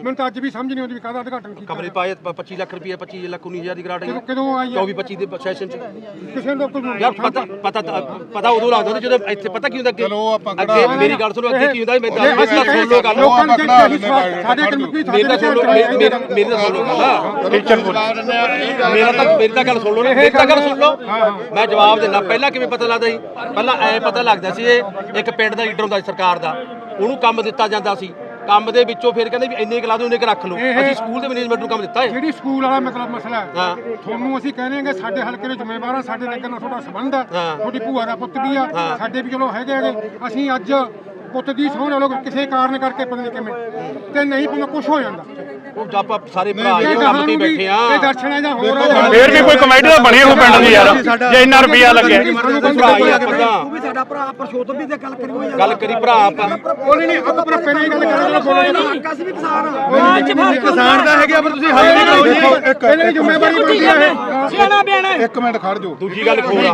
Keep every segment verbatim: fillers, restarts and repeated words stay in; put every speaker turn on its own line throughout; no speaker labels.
ਮੈਨੂੰ ਤਾਂ ਅੱਜ ਵੀ ਸਮਝ ਨਹੀਂ ਆਉਂਦੀ ਵੀ ਕਾਹਦਾ ਉਦਘਾਟਨ ਕੀਤਾ
ਕਮਰੇ ਪਾਏ ਪੱਚੀ ਲੱਖ ਰੁਪਏ ਪੱਚੀ ਲੱਖ ਉੱਨੀ ਹਜ਼ਾਰ ਦੀ ਗ੍ਰਾਂਟ ਆਈ
ਕਦੋਂ ਆਈ
ਚੌਵੀ ਪੱਚੀ ਦੇ ਸੈਸ਼ਨ ਚ
ਕਿਸੇ ਨੂੰ ਕੋਈ
ਯਾਰ ਪਤਾ ਪਤਾ ਪਤਾ ਉਦੋਂ ਲੱਗਦਾ ਜਦੋਂ ਇੱਥੇ ਪਤਾ ਕੀ ਹੁੰਦਾ ਕਿ ਅੱਗੇ ਮੇਰੀ ਗੱਲ ਸੁਣੋ ਅੱਗੇ ਕੀ ਹੁੰਦਾ ਮੈਂ ਦੱਸ ਸੁਣ ਲਓ ਗੱਲ
ਲੋਕਾਂ ਨੂੰ ਸਾਡੇ ਕਮਿਟੀ
ਮੇਰੀ ਤਾਂ ਸੁਣ ਲਓ ਮੇਰੀ ਤਾਂ ਸੁਣ ਲਓ ਗੱਲ ਟੀਚਰ ਬੋਲ ਮੇਰਾ ਤਾਂ ਮੇਰੀ ਤਾਂ ਗੱਲ ਸੁਣ ਲਓ ਮੇਰੀ ਤਾਂ ਗੱਲ ਸੁਣ ਲਓ ਮੈਂ ਜਵਾਬ ਦਿੰਦਾ ਪਹਿਲਾਂ ਕਿਵੇਂ ਪਤਾ ਲੱਗਦਾ ਸੀ ਪਹਿਲਾਂ ਐ ਪਤਾ ਲੱਗਦਾ ਸੀ ਇਹ ਇੱਕ ਪਿੰਡ ਦਾ ਲੀਡਰ ਹੁੰਦਾ ਸੀ ਸਰਕਾਰ ਦਾ ਉਹਨੂੰ ਕੰਮ ਦਿੱਤਾ ਜਾਂਦਾ ਸੀ ਕੰਮ ਦੇ ਵਿੱਚੋਂ ਫਿਰ ਕਹਿੰਦੇ ਵੀ ਇੰਨੇ ਕਲਾ ਦੇ ਉਹਨੇ ਕਿ ਰੱਖ ਲਓ ਅਸੀਂ ਸਕੂਲ ਦੇ ਮੈਨੇਜਮੈਂਟ ਨੂੰ ਕੰਮ ਦਿੱਤਾ ਹੈ
ਜਿਹੜੀ ਸਕੂਲ ਵਾਲਾ ਮਤਲਬ ਮਸਲਾ ਹੈ ਤੁਹਾਨੂੰ ਅਸੀਂ ਕਹਿੰਦੇ ਹਾਂ ਸਾਡੇ ਹਲਕੇ ਦੇ ਜ਼ਿੰਮੇਵਾਰ ਆ ਸਾਡੇ ਨਗਰ ਨਾਲ ਤੁਹਾਡਾ ਸੰਬੰਧ ਹੈ ਤੁਹਾਡੀ ਭੂਆ ਦਾ ਪੁੱਤ ਵੀ ਆ ਸਾਡੇ ਵੀ ਚਲੋ ਹੈਗੇ ਹੈਗੇ ਅਸੀਂ ਅੱਜ ਪੁੱਤ ਦੀ ਸਹੁੰ ਨਾਲ ਕਿਸੇ ਕਾਰਨ ਕਰਕੇ ਪਤਾ ਨਹੀਂ ਕਿਵੇਂ ਤੇ ਨਹੀਂ ਪੁੱਤ ਕੁਝ ਹੋ ਜਾਂਦਾ
ਉਹ ਆਪਾਂ ਸਾਰੇ ਭਰਾ ਇਹ ਕੰਮ ਤੇ ਬੈਠੇ ਆ
ਇਹ ਦਰਸ਼ਨਾਂ ਜਾਂ ਹੋਰ
ਫੇਰ ਵੀ ਕੋਈ ਕਮੇਟੀ ਤਾਂ ਬਣੀ ਹੋ ਪਿੰਡ ਦੀ ਯਾਰ ਜੇ ਇੰਨਾ ਰੁਪਿਆ ਲੱਗਿਆ
ਤੂੰ
ਵੀ ਸਾਡਾ ਭਰਾ ਪਰਸ਼ੋਤਮ ਵੀ ਤੇ ਗੱਲ ਕਰੀ
ਗੱਲ ਕਰੀ ਭਰਾ ਆਪਾਂ
ਬੋਲੇ ਨਹੀਂ ਆਪਾਂ ਪਰ ਪਹਿਲਾਂ ਹੀ ਗੱਲ ਕਰਾਂਗੇ ਬੋਲੇ ਨਹੀਂ
ਅਸੀਂ ਵੀ ਕਿਸਾਨ
ਕਿਸਾਨ ਦਾ ਹੈਗਾ ਪਰ ਤੁਸੀਂ ਹੱਲ ਨਹੀਂ ਕਰੋ ਪਹਿਲਾਂ ਹੀ ਜ਼ਿੰਮੇਵਾਰੀ ਬਣਦੀ ਹੈ
ਸਿਆਣਾ ਬਿਆਣਾ
ਇੱਕ ਮਿੰਟ ਖੜ ਜਾਓ
ਦੂਜੀ ਗੱਲ ਖੋਲ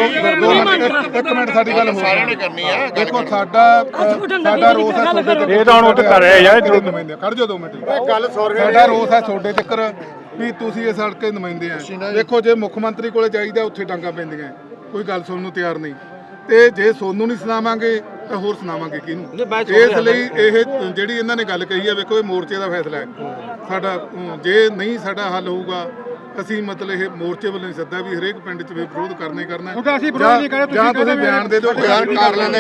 ਇੱਕ ਮਿੰਟ ਸਾਡੀ ਗੱਲ ਸਾਰਿਆਂ ਨੇ ਕਰਨੀ ਆ ਦੇਖੋ ਸਾਡਾ ਸਾਡਾ ਰੋਸ ਹੈ ਤੁਹਾਡੇ ਤੇ
ਇਹ ਤਾਂ ਹੁਣ ਉੱਥੇ ਕਰ ਰਿਹਾ ਯਾਰ
ਨੁਮਾਇੰਦੇ ਖੜ ਜਾਓ ਦੋ ਮਿੰਟ ਗੱਲ ਸਾਡਾ ਰੋਸ ਹੈ ਤੁਹਾਡੇ ਚੱਕਰ ਵੀ ਤੁਸੀਂ ਇਸ ਹਲਕੇ ਨੁਮਾਇੰਦੇ ਆ ਦੇਖੋ ਜੇ ਮੁੱਖ ਮੰਤਰੀ ਕੋਲੇ ਜਾਈਦਾ ਉੱਥੇ ਡਾਂਗਾ ਪੈਂਦੀਆਂ ਕੋਈ ਗੱਲ ਸੁਣਨ ਨੂੰ ਤਿਆਰ ਨਹੀਂ ਤੇ ਜੇ ਸੋਨੂੰ ਨਹੀਂ ਸੁਣਾਵਾਂਗੇ ਤਾਂ ਹੋਰ ਸੁਣਾਵਾਂਗੇ ਕਿਹਨੂੰ ਇਸ ਲਈ ਇਹ ਜਿਹੜੀ ਇਹਨਾਂ ਨੇ ਗੱਲ ਕਹੀ ਹੈ ਵੇਖੋ ਇਹ ਮੋਰਚੇ ਦਾ ਫੈਸਲਾ ਹੈ ਸਾਡਾ ਜੇ ਨਹੀਂ ਸਾਡਾ ਹੱਲ ਹੋਊਗਾ ਅਸੀਂ ਮਤਲਬ ਇਹ ਮੋਰਚੇ ਵੱਲੋਂ ਸੱਦਾ ਵੀ ਹਰੇਕ ਪਿੰਡ 'ਚ ਵਿਰੋਧ ਕਰਨਾ ਹੀ ਕਰਨਾ ਜਾਂ ਤੁਸੀਂ ਬਿਆਨ ਦੇ ਦਿਓ ਬਿਆਨ ਕਰ ਲੈਂਦੇ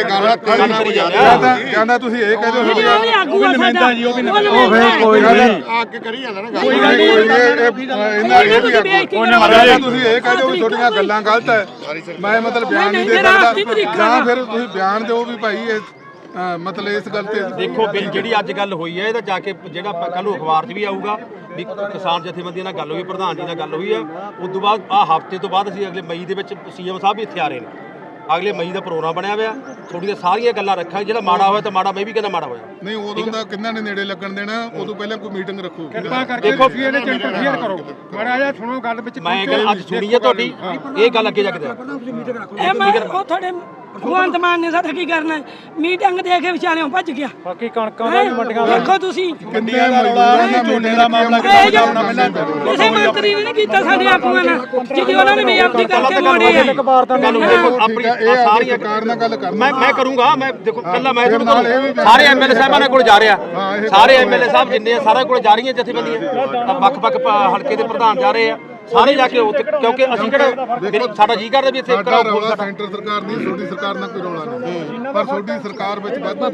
ਗੱਲ ਜਾਂਦਾ ਤੁਸੀਂ ਇਹ ਕਹਿ ਦਿਓ
ਨੁਮਾਇੰਦਾ ਜੀ ਉਹ ਵੀ
ਕੋਈ ਨਹੀਂ ਅੱਗੇ ਕਰੀ ਜਾਂਦਾ ਨਾ ਕੋਈ ਨਹੀਂ ਇਹਨਾਂ ਇਹ ਵੀ ਤੁਸੀਂ ਇਹ ਕਹਿ ਦਿਓ ਵੀ ਤੁਹਾਡੀਆਂ ਗੱਲਾਂ ਗਲਤ ਹੈ ਮੈਂ ਮਤਲਬ ਬਿਆਨ ਨਹੀਂ ਦੇ ਸਕਦਾ ਜਾਂ ਫਿਰ ਤੁਸੀਂ ਬਿਆਨ ਦਿਓ ਵੀ ਭਾਈ ਇਹ ਮਤਲਬ ਇਸ ਗੱਲ ਤੇ
ਦੇਖੋ ਬਿੱਲ ਜਿਹੜੀ ਅੱਜ ਗੱਲ ਹੋਈ ਹੈ ਇਹਦਾ ਜਾ ਕੇ ਜਿਹੜਾ ਕੱਲ ਨੂੰ ਅਖਬਾਰ 'ਚ ਵੀ ਆਊਗਾ ਵੀ ਕਿਸਾਨ ਜਥੇਬੰਦੀਆਂ ਨਾਲ ਗੱਲ ਹੋਈ ਪ੍ਰਧਾਨ ਜੀ ਨਾਲ ਗੱਲ ਹੋਈ ਹੈ ਉਸ ਤੋਂ ਬਾਅਦ ਆਹ ਹਫ਼ਤੇ ਤੋਂ ਬਾਅਦ ਅਸੀਂ ਅਗਲੇ ਮਈ ਦੇ ਵਿੱਚ ਸੀਐਮ ਸਾਹਿਬ ਵੀ ਇੱਥੇ ਆ ਰਹੇ ਨੇ ਅਗਲੇ ਮਈ ਦਾ ਪ੍ਰੋਗਰਾਮ ਬਣਿਆ ਹੋਇਆ ਥੋੜੀਆਂ ਸਾਰੀਆਂ ਗੱਲਾਂ ਰੱਖਾਂ ਜਿਹੜਾ ਮਾੜਾ ਹੋਇਆ ਤਾਂ ਮਾੜਾ ਮੈਂ ਵੀ ਕਹਿੰਦਾ ਮਾੜਾ ਹੋਇਆ
ਨਹੀਂ ਉਦੋਂ ਦਾ ਕਿੰਨਾ ਨੇ ਨੇੜੇ ਲੱਗਣ ਦੇਣਾ ਉਦੋਂ ਪਹਿਲਾਂ ਕੋਈ ਮੀਟਿੰਗ ਰੱਖੋ
ਕਿਰਪਾ ਕਰਕੇ ਤੁਸੀਂ ਇਹਦੇ ਚ ਇੰਟਰਫੇਅਰ ਕਰੋ ਮਾੜਾ ਜਿਹਾ ਸੁਣੋ ਗੱਲ ਵਿੱਚ
ਮੈਂ ਗੱਲ ਅੱਜ ਸੁਣੀ ਹੈ ਤੁਹਾਡੀ ਇਹ ਗੱਲ ਅੱਗੇ ਜਾ ਕੇ
ਇਹ ਮੈਂ ਉਹ ਤੁਹਾਡੇ ਭਗਵੰਤ ਮਾਨ ਨੇ ਸਾਡਾ ਕੀ ਕਰਨਾ ਮੀਟਿੰਗ ਦੇ ਕੇ ਵਿਚਾਲਿਓਂ ਭੱਜ ਗਿਆ
ਬਾਕੀ ਕਣਕਾਂ ਦਾ ਵੀ ਮੰਡੀਆਂ
ਦੇਖੋ ਤੁਸੀਂ
ਕਿੰਨੇ ਦਾ ਰੌਲਾ ਝੋਨੇ ਦਾ ਮਾਮਲਾ
ਕਿਸੇ ਮੰਤਰੀ ਨੇ ਨਹੀਂ ਕੀਤਾ ਸਾਡੇ ਆਗੂਆਂ ਨਾਲ ਜਿਹਦੀ ਉਹਨਾਂ ਨੇ ਬੇਅਦਬੀ ਕਰਕੇ ਮੋੜੇ ਆ
ਆਪਣੀ ਸਾਰੀਆਂ
ਸਰਕਾਰ ਨਾਲ ਗੱਲ ਕਰ
ਮੈਂ ਮੈਂ ਕਰੂੰਗਾ ਮੈਂ ਦੇਖੋ ਕੱਲਾ ਮੈਂ ਸਾਰੇ ਐਮਐਲਏ ਸਾਹਿਬਾਂ ਨਾਲ ਕੋਲ ਜਾ ਰਿਹਾ ਸਾਰੇ ਐਮਐਲਏ ਸਾਹਿਬ ਜਿੰਨੇ ਆ ਸਾਰਿਆਂ ਕੋਲ ਜਾ ਰਹੀਆਂ ਜਥੇਬੰਦੀਆਂ ਵੱਖ ਵੱਖ ਹਲਕੇ ਦੇ ਪ੍ਰਧਾਨ ਜਾ ਰਹੇ ਆ ਸਾਰੇ ਜਾ ਕੇ ਕਿਉਂਕਿ ਅਸੀਂ ਕਿਹੜਾ ਸਾਡਾ ਜੀ ਕਰਦਾ ਵੀ ਇੱਥੇ
ਸਾਡਾ ਰੌਲਾ ਸੈਂਟਰ ਸਰਕਾਰ ਨਹੀਂ ਤੁਹਾਡੀ ਸਰਕਾਰ ਨਾਲ ਕੋਈ ਰੌਲਾ ਨਹੀਂ ਪਰ ਤੁਹਾਡੀ ਸਰਕਾਰ ਵਿੱਚ ਵਾਧਾ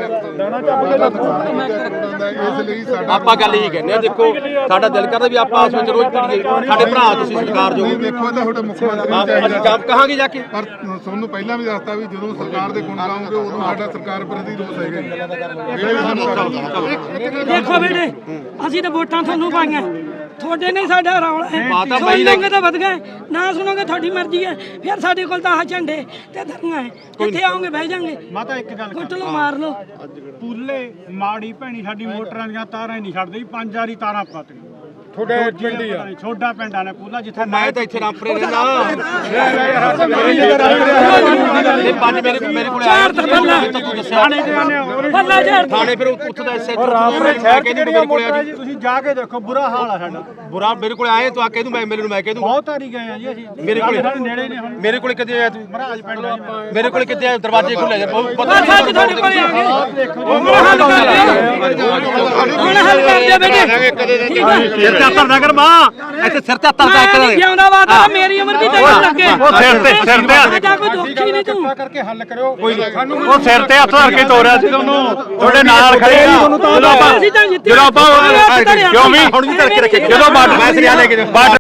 ਇਸ ਲਈ ਸਾਡਾ
ਆਪਾਂ ਗੱਲ ਇਹੀ ਕਹਿੰਦੇ ਆ ਦੇਖੋ ਸਾਡਾ ਦਿਲ ਕਰਦਾ ਵੀ ਆਪਾਂ ਆਪਸ ਵਿੱਚ ਰੋਜ਼ ਪੜੀਏ ਸਾਡੇ ਭਰਾ ਤੁਸੀਂ ਸਰਕਾਰ ਜੋ
ਦੇਖੋ ਤਾਂ ਤੁਹਾਡੇ ਮੁੱਖ ਮੰਤਰੀ
ਅਸੀਂ ਕੰਮ ਕਹਾਂਗੇ ਜਾ ਕੇ
ਪਰ ਤੁਹਾਨੂੰ ਪਹਿਲਾਂ ਵੀ ਦੱਸਤਾ ਵੀ ਜਦੋਂ ਸਰਕਾਰ ਦੇ ਗੁਣ ਗਾਉਂਗੇ ਉਦੋਂ ਸਾਡਾ ਸਰਕਾਰ ਪ੍ਰਤੀ ਰੋਸ ਹੈਗਾ
ਦੇਖੋ ਬੇਟੇ ਅਸੀਂ ਤਾਂ ਵੋਟਾਂ ਤੁਹਾਨੂੰ ਪਾਈਆਂ ਤੁਹਾਡੇ ਨਹੀਂ ਸਾਡਾ ਰੌਲਾ ਹੈ ਸੁਣੋਗੇ ਤਾਂ ਵਧ ਗਏ ਨਾ ਸੁਣੋਗੇ ਤੁਹਾਡੀ ਮਰਜ਼ੀ ਹੈ ਫਿਰ ਸਾਡੇ ਕੋਲ ਤਾਂ ਆਹ ਝੰਡੇ ਤੇ ਧਰਨਾ ਹੈ ਕਿੱਥੇ ਆਓਗੇ ਬਹਿ ਜਾਾਂਗੇ
ਮਾਤਾ ਇੱਕ ਗੱਲ
ਕੁੱਟ ਲਓ ਮਾਰ ਲਓ
ਪੂਲੇ ਮਾੜੀ ਭੈਣੀ ਸਾਡੀ ਮੋਟਰਾਂ ਦੀਆਂ ਤਾਰਾਂ ਹੀ ਨਹੀਂ ਛੱਡਦੀ ਪੰਜ ਵਾਰੀ ਤਾਰਾਂ ਪਾਤੀਆਂ
ਤੁਹਾਡੇ ਪਿੰਡ ਹੀ ਆ
ਛੋਡਾ ਪਿੰਡ ਆ ਨੇ ਪੂਲਾ ਜਿੱਥੇ
ਮੈਂ ਤਾਂ ਇੱਥੇ ਰਾਮਪੁਰੇ ਰਹਿੰਦਾ ਇਹ ਪੰਜ ਮੇਰੇ ਮੇਰੇ ਕੋਲ ਆਇਆ ਤੂੰ ਦੱਸਿਆ
ਬੱਲਾ ਜੜ
ਥਾਣੇ ਫਿਰ ਉੱਥੇ ਦਾ ਐਸਐਚ
ਰਾਮਪੁਰੇ ਸ਼ਹਿਰ ਚ ਮੇਰੇ ਕੋਲ ਆ ਜੀ ਤੁਸੀਂ ਜਾ ਕੇ ਦੇਖੋ ਬੁਰਾ ਹਾਲ ਆ ਸਾਡਾ
ਬੁਰਾ ਮੇਰੇ ਕੋਲ ਆਏ ਤੂੰ ਆ ਕਹਿ ਦੂੰ ਮੈਂ ਐਮਐਲਏ ਨੂੰ ਮੈਂ ਕਹਿ ਦੂੰ
ਬਹੁਤ ਵਾਰੀ ਗਏ ਆ ਜੀ ਅਸੀਂ
ਮੇਰੇ ਕੋਲ
ਸਾਡੇ ਨੇੜੇ ਨੇ ਹੁਣ
ਮੇਰੇ ਕੋਲ ਕਿੱਥੇ ਆਇਆ ਤੂੰ
ਮਹਾਰਾਜ ਪਿੰਡ ਆ
ਮੇਰੇ ਕੋਲ ਕਿੱਥੇ ਆਇਆ ਦਰਵਾਜ਼ੇ ਖੁੱਲੇ ਜਾ
ਬਸ ਅੱਜ ਤੁਹਾਡੇ ਕੋਲੇ ਆ ਗਏ ਹੁਣ ਹੱਲ ਕਰ ਦਿਓ ਹੁਣ ਹੱਲ ਕਰ ਦਿਓ ਬੇਟੇ ਠੀਕ ਹੈ
ਸਿਰ ਤੇ ਹੱਥ ਕਰ ਮਾਂ ਇੱਥੇ ਸਿਰ ਤੇ ਹੱਥ ਰੱਖ ਦੇ
ਜਿਉਂਦਾ ਵਾਦਾ ਮੇਰੀ ਉਮਰ ਵੀ ਤੈਨੂੰ ਲੱਗੇ
ਉਹ ਸਿਰ ਤੇ ਸਿਰ ਤੇ
ਸਾਡਾ ਕੋਈ ਦੁੱਖ ਹੀ ਨਹੀਂ ਤੂੰ
ਕਰਕੇ ਹੱਲ ਕਰਿਓ ਸਾਨੂੰ
ਉਹ ਸਿਰ ਤੇ ਹੱਥ ਧਰ ਕੇ ਤੋਰਿਆ ਸੀ ਤੁਹਾਨੂੰ ਤੁਹਾਡੇ ਨਾਲ ਖੜੇ ਆ ਜਦੋਂ ਆਪਾਂ ਜਦੋਂ ਆਪਾਂ ਕਿਉਂ ਵੀ
ਹੁਣ ਵੀ ਧਰ ਕੇ ਰੱਖੇ
ਜਦੋਂ ਬਾਰਡਰ